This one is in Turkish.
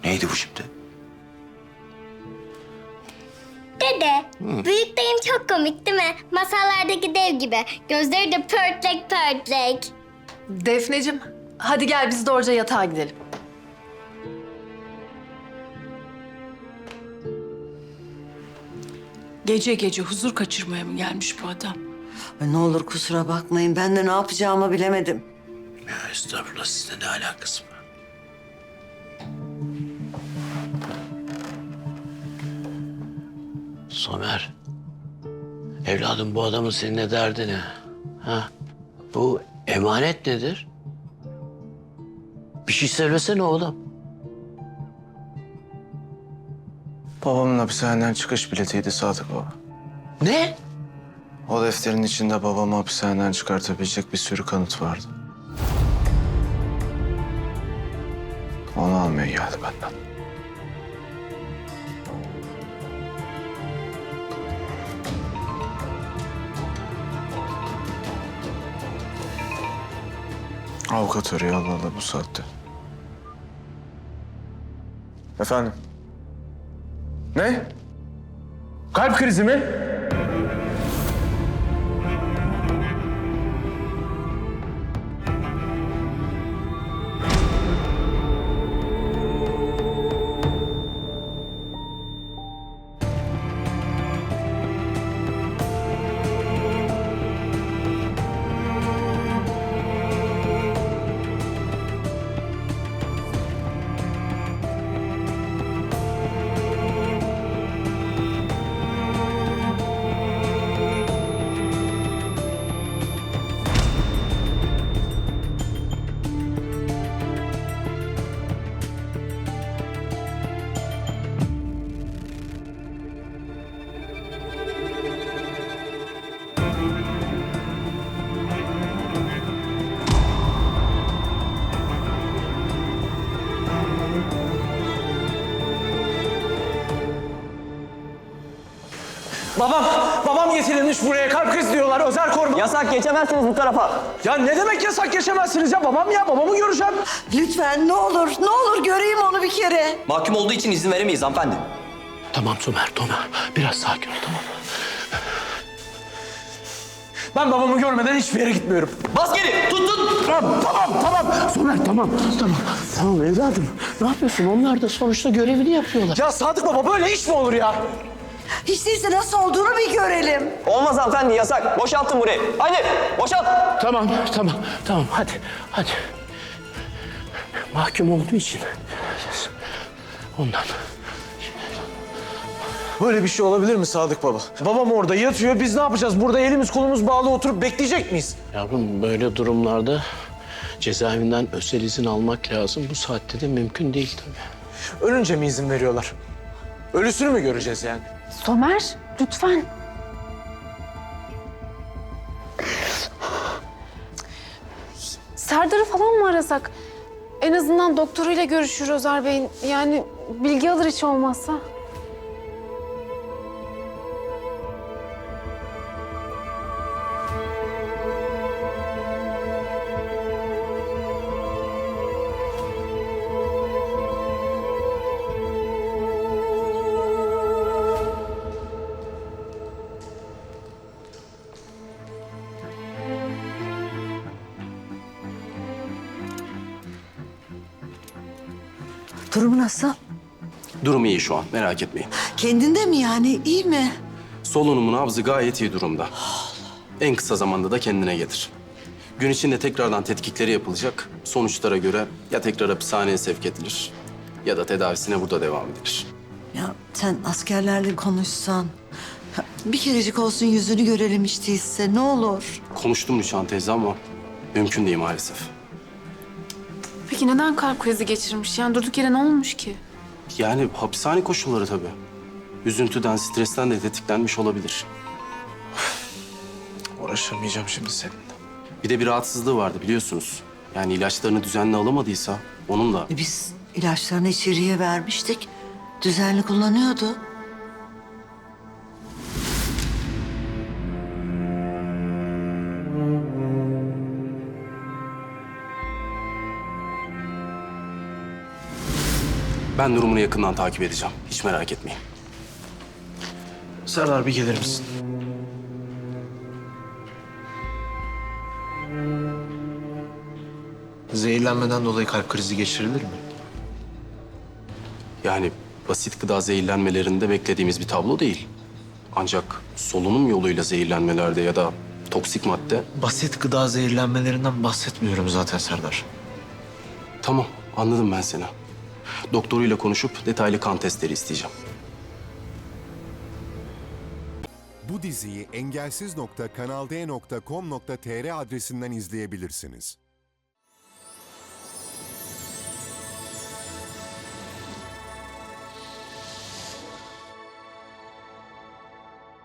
Neydi bu şimdi? Dede, büyük dayım çok komik değil mi? Masallardaki dev gibi. Gözleri de pörtlek pörtlek. Defneciğim, hadi gel biz doğruca yatağa gidelim. Gece gece huzur kaçırmaya mı gelmiş bu adam? Ay ne olur kusura bakmayın. Ben de ne yapacağımı bilemedim. Ya estağfurullah, sizle ne alakası var? Somer. Evladım, bu adamın seninle derdi ne? Ha? Bu emanet nedir? Bir şey söylesene oğlum. Babamın hapishaneden çıkış biletiydi Sadık Baba. Ne? O defterin içinde babamı hapishaneden çıkartabilecek bir sürü kanıt vardı. Onu almaya geldi benden. Avukat arıyor Allah Allah bu saatte. Efendim? Ne? Kalp krizi mi? Babam getirilmiş buraya. Kalp krizi diyorlar. Özel koruma. Yasak, geçemezsiniz bu tarafa. Ya ne demek yasak, geçemezsiniz ya? Babamı göreceğim. Lütfen ne olur göreyim onu bir kere. Mahkum olduğu için izin veremeyiz hanımefendi. Tamam Somer, tamam. Biraz sakin ol, tamam. Ben babamı görmeden hiçbir yere gitmiyorum. Bas geri, tut. Tamam. Somer, tamam. Tamam evladım. Ne yapıyorsun? Onlar da sonuçta görevini yapıyorlar. Ya Sadık Baba, böyle iş mi olur ya? Hiç değilse nasıl olduğunu bir görelim. Olmaz hanımefendi, yasak. Boşaltın burayı. Hadi, boşalt. Tamam. Hadi. Mahkum olduğu için. Ondan. Böyle bir şey olabilir mi Sadık Baba? Babam orada yatıyor. Biz ne yapacağız? Burada elimiz kolumuz bağlı oturup bekleyecek miyiz? Yavrum, böyle durumlarda cezaevinden özel izin almak lazım. Bu saatte de mümkün değil tabii. Ölünce mi izin veriyorlar? Ölüsünü mü göreceğiz yani? Somer, lütfen. Serdar'ı falan mı arasak? En azından doktoruyla görüşür Özer Bey'in. Yani bilgi alır hiç olmazsa. Durumu nasıl? Durumu iyi şu an, merak etmeyin. Kendinde mi yani? İyi mi? Solunumun nabzı gayet iyi durumda. En kısa zamanda da kendine gelir. Gün içinde tekrardan tetkikleri yapılacak. Sonuçlara göre ya tekrar hapishaneye sevk edilir ya da tedavisine burada devam edilir. Ya sen askerlerle konuşsan. Bir kerecik olsun yüzünü görelim hiç değilse ne olur. Konuştum Rüçhan teyze ama mümkün değil maalesef. Peki neden kalp krizi geçirmiş? Yani durduk yere ne olmuş ki? Yani hapishane koşulları tabii. Üzüntüden, stresten de tetiklenmiş olabilir. Uğraşamayacağım şimdi seninle. Bir de bir rahatsızlığı vardı biliyorsunuz. Yani ilaçlarını düzenli alamadıysa onun da... Biz ilaçlarını içeriye vermiştik. Düzenli kullanıyordu. Ben durumunu yakından takip edeceğim. Hiç merak etmeyin. Serdar bir gelir misin? Zehirlenmeden dolayı kalp krizi geçirilir mi? Yani basit gıda zehirlenmelerinde beklediğimiz bir tablo değil. Ancak solunum yoluyla zehirlenmelerde ya da toksik madde... Basit gıda zehirlenmelerinden bahsetmiyorum zaten Serdar. Tamam, anladım ben seni. Doktoruyla konuşup detaylı kan testleri isteyeceğim. Bu diziyi engelsiz.kanalde.com.tr adresinden izleyebilirsiniz.